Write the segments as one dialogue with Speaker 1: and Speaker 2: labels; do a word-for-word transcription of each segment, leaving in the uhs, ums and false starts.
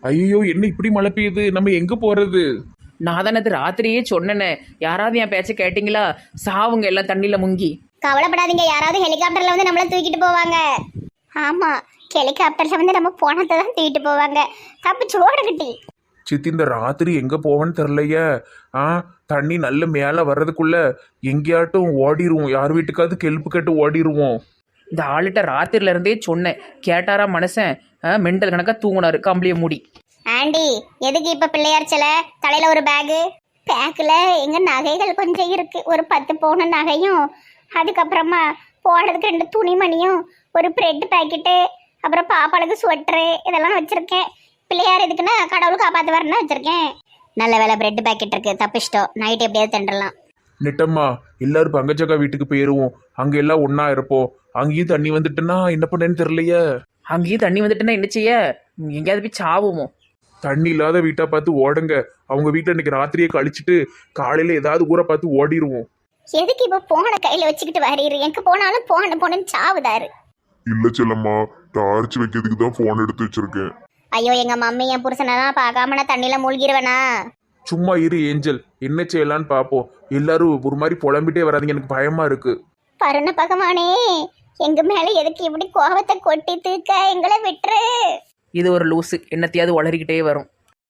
Speaker 1: ஐயோ, என்ன இப்படி மழை பெய்யுது? நம்ம எங்க போறது?
Speaker 2: நான் தானே அது ராத்திரியே சொன்னேனே, யாராவது என் பேச்ச கேட்டீங்களா? சாவுங்க எல்லாம் தண்ணியில முங்கி.
Speaker 3: கவலைப்படாதீங்க, யாராவது ஹெலிகாப்டர்ல வந்து நம்மள தூக்கிட்டு போவாங்க. ஆமா, ஹெலிகாப்டர்ல வந்து நம்ம போனதை தான் தூக்கிட்டு போவாங்க. தப்பிச்சு ஓடுகிட்டி.
Speaker 1: சித்தி, இந்த ராத்திரி எங்க போவேன்னு தெரிலையே. ஆ தண்ணி நல்ல மேல வர்றதுக்குள்ள எங்கேயாட்டும் ஓடிடுவோம். யார் வீட்டுக்காவது கெல்ப்பு கட்டு ஓடிடுவோம்.
Speaker 2: இந்த ஆளுகிட்ட ராத்திரில இருந்தே சொன்னேன், கேட்டாரா மனுஷன்? மெண்டல் கணக்கா தூங்குனாரு கம்பளிய மூடி.
Speaker 3: ஆண்டி, எதுக்கு இப்ப பிள்ளையார் சில தலையில ஒரு பேகு? பேக்குல எங்க நகைகள் கொஞ்சம் இருக்கு, ஒரு பத்து பவுன் நகையும், அதுக்கப்புறமா போடுறதுக்கு ரெண்டு துணிமணியும், ஒரு பிரெட் பாக்கெட்டு, அப்புறம் பாப்பாளுக்கு ஸ்வெட்டரு, இதெல்லாம் வச்சிருக்கேன். பிள்ளையார் எதுக்குன்னா கடவுள் காப்பாத்து வரணும்னு வச்சிருக்கேன். நல்ல வேலை பிரெட் பாக்கெட் இருக்கு, தப்பிச்சிட்டோம். நைட் எப்படியாவது தின்றலாம்.
Speaker 1: நெட்டம்மா, எல்லாரும் பங்கஜக்கா வீட்டுக்கு போயிருவோம். அங்க எல்லாம் ஒன்னா இருப்போம். அங்கேயும் தண்ணி வந்துட்டுன்னா என்ன பண்ணேன்னு தெரியலையே.
Speaker 2: அங்கேயும் தண்ணி வந்துட்டுன்னா என்ன செய்ய? எங்கேயாவது போய் சாவுமோ?
Speaker 1: தண்ணி இல்லாத வீட்டை பார்த்து ஓடுங்க. அவங்க வீட்டில் இன்னைக்கு ராத்திரியை கழிச்சிட்டு காலையில ஏதாவது ஊரை பார்த்து ஓடிடுவோம்.
Speaker 3: எதுக்கு இப்ப போன கையில வச்சுக்கிட்டு வரீரு? எங்க போனாலும் போன போனன்னு சாவுதாரு.
Speaker 4: இல்ல செல்லம்மா, டார்ச் வைக்கிறதுக்கு தான் போன் எடுத்து வச்சிருக்கேன்.
Speaker 3: ஐயோ, எங்க மம்மி என் புருஷனதான் பார்க்காம நான் தண்ணியில மூழ்கிருவேனா?
Speaker 1: சும்மா இரு ஏஞ்சல், என்ன செய்யலான்னு பார்ப்போம். எல்லாரும் ஒரு மாதிரி புலம்பிட்டே வராதிங்க, எனக்கு பயமா இருக்கு.
Speaker 3: பருண பகவானே, எங்க மேல எதுக்கு இப்படி கோபத்தை கொட்டி தூக்க? எங்களை விட்டுரு.
Speaker 2: இது ஒரு லூசு, என்னத்தையாவது வளரிக்கிட்டே வரும்.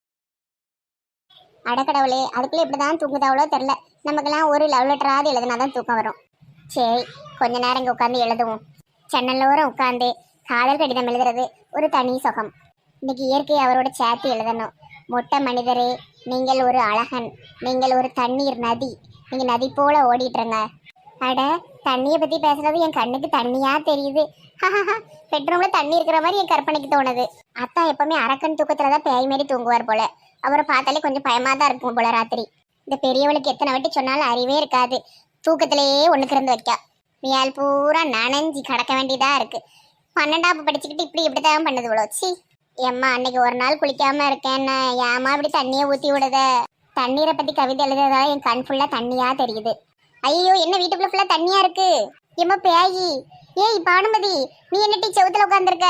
Speaker 3: அடக்கடவுளே, அதுக்குள்ள இப்படிதான் தூங்குதாவளோ தெரியல. நமக்கெல்லாம் ஒரு லவ் லெட்டராவது எழுதுனாதான் தூக்கம் வரும். சரி, கொஞ்ச நேரம் இங்க உட்காந்து எழுதுவோம். சென்னல்லோரம் உட்காந்து காதல் கடிதம் எழுதுறது ஒரு தனி சுகம். இன்னைக்கு இயற்கை அவரோட சேர்த்து எழுதணும். மொட்டை மனிதரே, நீங்கள் ஒரு அழகன், நீங்கள் ஒரு தண்ணீர் நதி, நீங்க நதி போல ஓடிட்டுருங்க. அட, தண்ணியை பத்தி பேசுறது என் கண்ணுக்கு தண்ணியா தெரியுது. பெட்ரூம்ல தண்ணி இருக்கிற மாதிரி என் கற்பனைக்கு தோணுது. அத்தா எப்பவுமே அரக்கன் தூக்கத்துலதான் பேய் மாரி தூங்குவார் போல. அவரை பார்த்தாலே கொஞ்சம் பயமா தான் இருக்கும் போல ராத்திரி. இந்த பெரியவளுக்கு எத்தனை வாட்டி சொன்னாலும் அறிவே இருக்காது. தூக்கத்திலேயே ஒண்ணுக்கு இருந்து வைக்கா. மியால் பூரா நனைஞ்சி கடக்க வேண்டியதா இருக்கு. பன்னெண்டாப்பு படிச்சுக்கிட்டு இப்படி இப்படித்தான் பண்ணுது இவ்வளோ. சி எம்மா, அன்னைக்கு ஒரு நாள் குளிக்காம இருக்கேன்னு ஏமா இப்படி தண்ணியை ஊத்தி விடுத? தண்ணீரை பத்தி கவிதை எழுதுறதால என் கண் ஃபுல்லா தண்ணியா தெரியுது. ஐயோ, என்ன வீட்டுக்குள்ள ஃபுல்லா தண்ணியா இருக்கு? எம்மா பேயி, ஏய் பானுமதி, நீ என்னட்டி செவுத்துல உட்காந்துருக்க?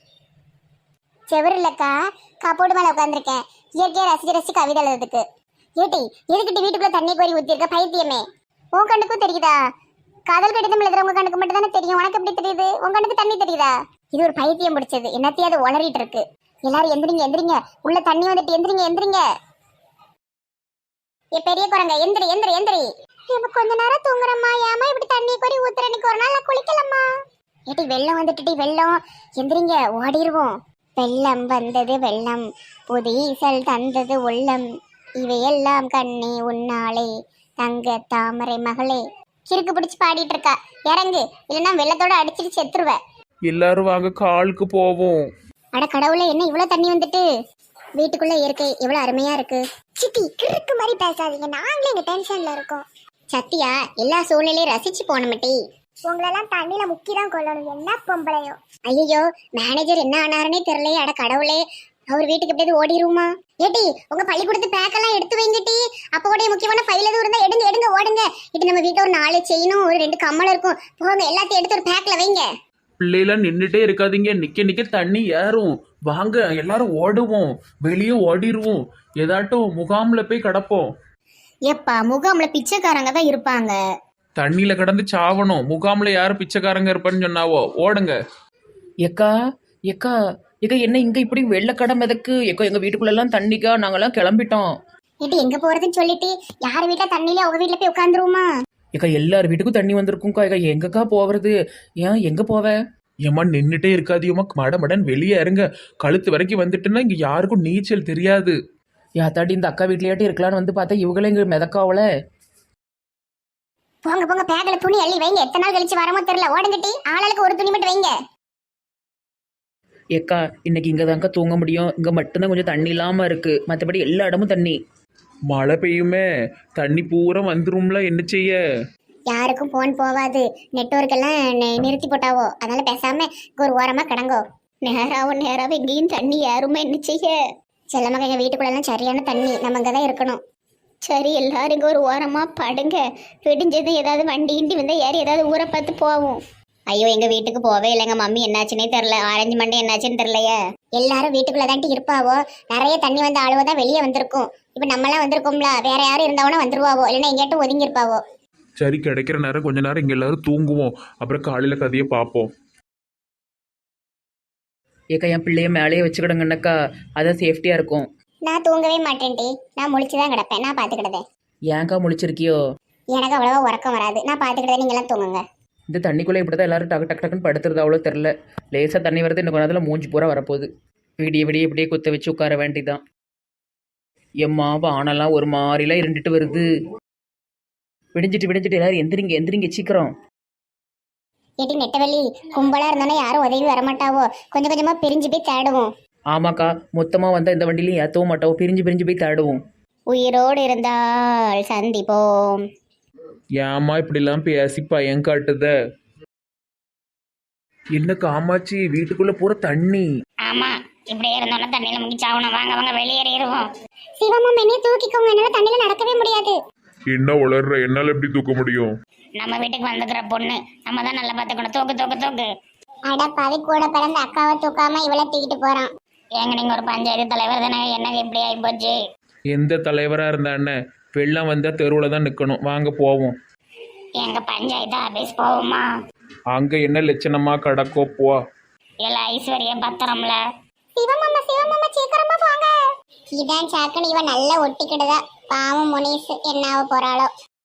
Speaker 3: செவரு இல்லக்கா, கப்போடு மேல உட்காந்துருக்கேன். இயற்கையா ரசிச்சு ரசிச்சு கவிதை எழுதுறதுக்கு. ஏட்டி, எதுக்கிட்டு வீட்டுக்குள்ள தண்ணி கோரி ஊத்தி இருக்க? பைத்தியமே, உன் கண்ணுக்கும் தெரியுதா? காதல் கடிதம் எழுதுறவங்க கண்ணுக்கு மட்டும் தானே தெரியும், உனக்கு எப்படி தெரியுது? உன் கண்ணுக்கு தண்ணி தெரியுதா? இது ஒரு பைத்தியம் பிடிச்சது, என்னத்தையாவது உளறிட்டு இருக்கு. எல்லாரும் எந்திரிங்க எந்திரிங்க, உள்ள தண்ணி வந்துட்டு எந்திரிங்க எந்திரிங்க. ஏ பெரிய குரங்க, எந்திரி எந்திரி எந்திரி. கொஞ்ச நேரம் தூங்குறம்மா, ஏமா இப்படி தண்ணி கோரி ஊத்துற? இன்னைக்கு ஒரு நாள் நான் குளிக்கலம்மா. ஏட்டி, வெள்ளம் வந்துட்டு வெள்ளம், எந்திரிங்க ஓடிடுவோம். வெள்ளம் வந்தது வெள்ளம், புதீசல் தந்தது உள்ளம், இவையெல்லாம் கண்ணே உன்னாலே தங்க தாமரை மகளே. கிறுக்கு பிடிச்சு பாடிட்டு இருக்கா. இறங்கு, இல்லைன்னா வெள்ளத்தோட அடிச்சிட்டு செத்துருவ.
Speaker 1: எல்லாரும் வாங்க, காலுக்கு போவோம்.
Speaker 3: அட கடவுளே, என்ன இவ்வளவு தண்ணி வந்துட்டு? வீட்டுக்குள்ள இயற்கை எவ்வளவு அருமையா இருக்கு. சித்தி, கிறுக்கு மாதிரி பேசாதீங்க, நாங்களே இங்க டென்ஷன்ல இருக்கோம். சத்தியா, எல்லா சூழ்நிலையும் ரசிச்சு போனமட்டி. உங்களெல்லாம் தண்ணியில முக்கிதான் கொள்ளணும், என்ன பொம்பளையோ. ஐயோ, மேனேஜர் என்ன ஆனாருன்னே தெரியலையே. அட கடவுளே, அவர் வீட்டுக்கு எப்படியாவது ஓடிடுமா? ஏட்டி, உங்க பள்ளிக்கூடத்து பேக்கெல்லாம் எடுத்து வைங்கட்டி. அப்போ கூட முக்கியமான ஃபைல் எதுவும் இருந்தா எடுங்க எடுங்க ஓடுங்க. இட்டு நம்ம வீட்டுல ஒரு நாலு செயினும் ஒரு ரெண்டு கம்மல் இருக்கும், போங்க எல்லாத்தையும் எடுத்து ஒரு பேக்ல வைங்க.
Speaker 1: பிள்ளைலாம் நின்றுட்டே இருக்காதீங்க, நிக்க நிக்க தண்ணி ஏறும். வாங்க எல்லாரும் ஓடுவோம், வெளியே ஓடிடுவோம். ஏதாட்டும் முகாம்ல போய் கிடப்போம்.
Speaker 3: எப்பா, முகாம்ல பிச்சைக்காரங்க தான் இருப்பாங்க.
Speaker 1: தண்ணியில கடந்து சாவணும். முகாம்ல யாரும் பிச்சைக்காரங்க இருப்பான்னு சொன்னாவோ? ஓடுங்க.
Speaker 2: எக்கா எக்கா எக்கா, என்ன இங்க இப்படி வெள்ளக்கடம் எதுக்கு? எக்கா, எங்க வீட்டுக்குள்ள எல்லாம் தண்ணிக்கா, நாங்கெல்லாம் கிளம்பிட்டோம்.
Speaker 3: ஏட்டி, எங்க போறதுன்னு சொல்லிட்டு யார் வீட்டுல தண்ணியில உங்க வீட்டுல போய் உட்காந்துருவோமா?
Speaker 2: எக்கா, எல்லார் வீட்டுக்கும் தண்ணி வந்திருக்கும்க்கா. எக்கா, எங்கக்கா போவது? ஏன் எங்க போவ?
Speaker 1: ஏமா நின்றுட்டே இருக்காதியம்மா, மட மடன் வெளியே இறங்க. கழுத்து வரைக்கும் வந்துட்டுன்னா இங்க யாருக்கும் நீச்சல் தெரியாது.
Speaker 2: யாத்தாடி, இந்த அக்கா வீட்லயாட்டி இருக்கலான்னு வந்து பார்த்தா இவங்களே இங்க மிதக்காவல.
Speaker 3: போங்க போங்க, பேக்கல துணி அள்ளி வைங்க. எத்தனை நாள் கழிச்சு வரமோ தெரியல. ஓடுங்கட்டி, ஆளாளுக்கு ஒரு துணி மட்டும் வைங்க.
Speaker 2: ஏக்கா, இன்னைக்கு இங்க தான்க்கா தூங்க முடியும். இங்க மட்டும்தான் கொஞ்சம் தண்ணி இல்லாம இருக்கு, மற்றபடி எல்லா இடமும் தண்ணி.
Speaker 1: மழை பெய்யுமே, தண்ணி பூரா வந்துரும்ல, என்ன செய்ய?
Speaker 3: யாருக்கும் போன் போவாது, நெட்வொர்க் எல்லாம் நிறுத்தி போட்டாவோ. அதனால பேசாம ஒரு ஓரமா கிடங்கோ. நேராவும் நேராவும் எங்கேயும் தண்ணி யாருமே என்ன செய்ய? செல்லமாக எங்க வீட்டுக்குள்ள எல்லாம் சரியான தண்ணி, நம்ம அங்கதான் இருக்கணும். சரி, எல்லாரும் இங்க ஒரு ஓரமா படுங்க. விடிஞ்சது ஏதாவது வண்டி கிண்டி வந்தா ஏறி ஏதாவது ஊரை பார்த்து போவோம். ஐயோ எங்க வீட்டுக்கு போவே இல்லைங்க மம்மி என்னாச்சுன்னே தெரியல ஆரஞ்சு மண்டே என்னாச்சுன்னு தெரியலையே எல்லாரும் வீட்டுக்குள்ள தாண்டி இருப்பாவோ நிறைய தண்ணி வந்த ஆளுவோ தான் வெளியே வந்திருக்கும் இப்ப நம்மளாம் வந்திருக்கோம்ல வேற யாரும் இருந்தவனா வந்துருவாவோ இல்லைன்னா எங்கேயாட்டும் ஒதுங்கி இருப்பாவோ
Speaker 1: சரி, கிடைக்கிற நேரம் கொஞ்ச நேரம் இங்கே எல்லாரும் தூங்குவோம், அப்புறம் காலையில் கதையை பார்ப்போம்.
Speaker 2: ஏக்கா என் பிள்ளைய மேலேயே வச்சுக்கிடுங்கன்னக்கா, அதான் சேஃப்டியாக இருக்கும்.
Speaker 3: நான் தூங்கவே மாட்டேன்டி, நான் முழிச்சுதான் கிடப்பேன். நான் பாத்துக்கிட்டதே.
Speaker 2: ஏன்க்கா முழிச்சிருக்கியோ?
Speaker 3: எனக்கு அவ்வளவா உறக்கம் வராது, நான் பாத்துக்கிட்டதே. நீங்க எல்லாம் தூங்குங்க.
Speaker 2: இந்த தண்ணிக்குள்ளே இப்படி தான் எல்லாரும் டக்கு டக்கு டக்குன்னு படுத்துறது அவ்வளோ தெரில. லேசாக தண்ணி வருது, இன்னும் கொஞ்ச நேரத்தில் மூஞ்சி பூரா வரப்போகுது. விடிய விடிய இப்படியே குத்த வச்சு உட்கார வேண்டிதான். எம்மா வானெல்லாம் ஒரு மாதிரிலாம் இருண்டுட்டு வருது. விடிஞ்சிட்டு விடிஞ்சிட்டு எல்லாரும் எந்திரிங்க எந்திரிங்க சீக்கிரம்.
Speaker 3: ஏட்டி நெட்டவெளி, கும்பலா இருந்தானே யாரும் உதவி வரமாட்டாவோ, கொஞ்சம் கொஞ்சமா பிரிஞ்சு போய் தேடுவோம்.
Speaker 2: ஆமாக்கா, மொத்தமாக வந்தால் இந்த வண்டிலையும் ஏற்றவும் மாட்டோம், பிரிஞ்சு பிரிஞ்சு போய் தேடுவோம்.
Speaker 3: உயிரோடு இருந்தால் சந்திப்போம்.
Speaker 1: ஏம்மா இப்படிலாம் பேசி பயம் காட்டுத? என்ன காமாச்சி, வீட்டுக்குள்ள பூரா தண்ணி.
Speaker 3: ஆமா, இப்படியே இருந்தோம்னா தண்ணியில முங்கி சாவணும். வாங்க வாங்க வெளியேறிடுவோம். சிவமா மென்னே தூக்கிக்கோங்க, என்னால தண்ணியில நடக்கவே முடியாது.
Speaker 4: என்ன வளர்ற, என்னால எப்படி தூக்க முடியும்?
Speaker 3: நம்ம வீட்டுக்கு வந்துக்கிற பொண்ணு, நம்ம தான் நல்லா பாத்துக்கணும். தூக்கு தூக்கு தூக்கு. அட பாதி கூட பிறந்த அக்காவை தூக்காம இவளை தூக்கிட்டு போறான். ஏங்க நீங்க ஒரு பஞ்சாயத்து தலைவர் தானே, என்னங்க இப்படி ஆகி போச்சு?
Speaker 1: எந்த தலைவராக இருந்தாண்ணே, வெள்ளம் வந்தால் தெருவில் தான் நிற்கணும். வாங்க போவோம்.
Speaker 3: எங்க பஞ்சாயத்து ஆபீஸ் போவோமா?
Speaker 1: அங்கே என்ன லட்சணமா கிடக்கோ போ.
Speaker 3: இல்ல ஐஸ்வர்யா பத்திரம்ல. சிவமாமா சிவமாமா சீக்கிரமா போங்க. இதான் சாக்கன், இவன் நல்லா ஒட்டிக்கிடுதா. பாவம் முனிஸ் என்னாவ போறாளோ.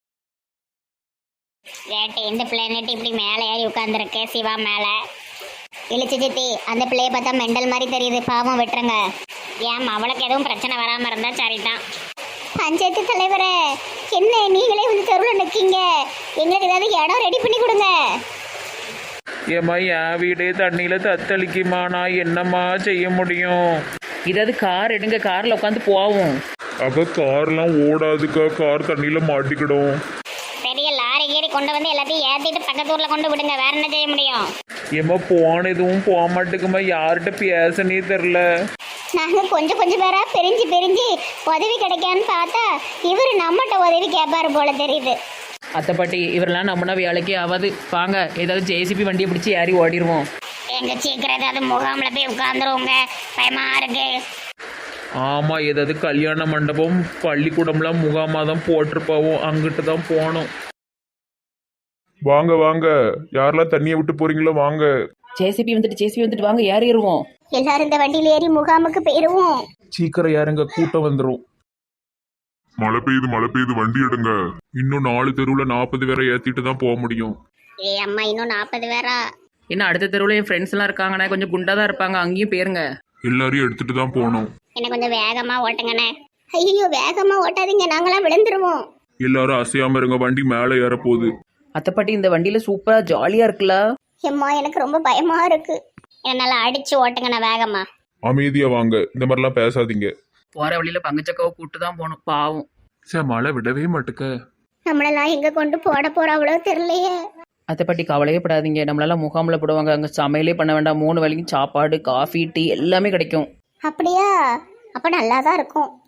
Speaker 3: வேட்டை இந்த பிள்ளைன்ட்டு இப்படி மேலே ஏறி உட்காந்துருக்கு சிவா மேல. இழிச்சு சித்தி, அந்த பிள்ளைய பார்த்தா மெண்டல் மாதிரி தெரியுது, பாவம் விட்டுருங்க. ஏன் அவளுக்கு எதுவும் பிரச்சனை வராம இருந்தா சரிதான். பஞ்சாயத்து தலைவரே, என்ன நீங்களே வந்து தெருவில் நிற்கீங்க, எங்களுக்கு ஏதாவது இடம் ரெடி பண்ணி கொடுங்க.
Speaker 1: ஏம்மா என் வீடே தண்ணியில் தத்தளிக்குமா, நான் என்னம்மா செய்ய முடியும்?
Speaker 2: இதாவது கார் எடுங்க, காரில் உட்காந்து போவோம்.
Speaker 4: அக்கா கார்லாம் ஓடாதுக்கா, கார் தண்ணியில மாட்டிக்கிடும்.
Speaker 3: பெரிய லாரி கீரி கொண்டு வந்து எல்லாத்தையும் ஏற்றிட்டு பக்கத்து ஊரில் கொண்டு விடுங்க, வேற என்ன செய்ய முடியும்?
Speaker 1: ஏம்மா போன எதுவும் போக மாட்டேங்குமா, யார்கிட்ட பேசனே தெரில.
Speaker 3: நாங்கள் கொஞ்சம் கொஞ்சம் பேரா பிரிஞ்சு பிரிஞ்சு உதவி கிடைக்கான்னு பார்த்தா இவர் நம்மகிட்ட உதவி கேட்பாரு போல தெரியுது.
Speaker 2: அத்தை பாட்டி, இவரெல்லாம் நம்மனா வேலைக்கே ஆகாது. வாங்க ஏதாவது ஜேசிபி வண்டியை பிடிச்சி ஏறி ஓடிடுவோம்.
Speaker 3: எங்க சீக்கிரம் ஏதாவது முகாமில் போய் உட்காந்துருவோங்க, பயமா இருக்கு.
Speaker 1: ஆமாம், ஏதாவது கல்யாண மண்டபம் பள்ளிக்கூடம்லாம் முகாமாக தான் போட்டிருப்பாவும், அங்கிட்டு தான் போகணும்.
Speaker 4: வாங்க வாங்க, யாரெல்லாம் தண்ணியை விட்டு போறீங்களோ வாங்க.
Speaker 2: ஜேசிபி வந்துட்டு ஜேசிபி வந்துட்டு வாங்க ஏறிடுவோம்.
Speaker 3: எல்லாரும் இந்த வண்டியில் ஏறி முகாமுக்கு போயிருவோம்.
Speaker 1: சீக்கிரம் யாருங்க, கூட்டம் வந்துடும்.
Speaker 4: மழை பெய்யுது மழை பெய்யுது, வண்டி எடுங்க.
Speaker 1: இன்னும் நாலு தெருவில் நாற்பது பேரை ஏற்றிட்டு தான் போக முடியும்.
Speaker 3: ஏ அம்மா, இன்னும் நாற்பது பேரா?
Speaker 2: இன்னும் அடுத்த தெருவில் என் ஃப்ரெண்ட்ஸ் எல்லாம் இருக்காங்கண்ணே, கொஞ்சம் குண்டாக தான் இருப்பாங்க, அங்கேயும் போயிருங்க.
Speaker 1: எல்லாரையும் எடுத்துட்டு தான் போகணும்.
Speaker 3: என்ன கொஞ்சம் வேகமா ஓட்டுங்கண்ணே. ஐயோ வேகமா ஓட்டாதீங்க, நாங்களாம் விழுந்துருவோம்.
Speaker 1: எல்லாரும் அசையாம இருங்க, வண்டி மேலே ஏற போகுது.
Speaker 2: அத்தை பாட்டி, இந்த வண்டியில் சூப்பராக ஜாலியாக இருக்குல்ல?
Speaker 3: எம்மா எனக்கு ரொம்ப பயமா இருக்கு, என்னால அடிச்சு ஓட்டுங்கண்ணே வேகமா.
Speaker 4: அமைதியா வாங்க, இந்த மாதிரிலாம் பேசாதீங்க.
Speaker 2: போகிற வழியில் பங்குச்சக்காவை கூட்டு தான் போகணும், பாவம்.
Speaker 1: சார் மழை விடவே மாட்டுக்க.
Speaker 3: நம்மளெல்லாம் எங்க கொண்டு போட போறாவளோ தெரியலையே.
Speaker 2: அத்தை பாட்டி கவலையே படாதீங்க, நம்மளால முகாமில் போடுவாங்க, அங்கே சமையலே பண்ண வேண்டாம், மூணு வேளைக்கும் சாப்பாடு காஃபி டீ எல்லாமே கிடைக்கும்.
Speaker 3: அப்படியா? அப்ப நல்லா தான் இருக்கும்.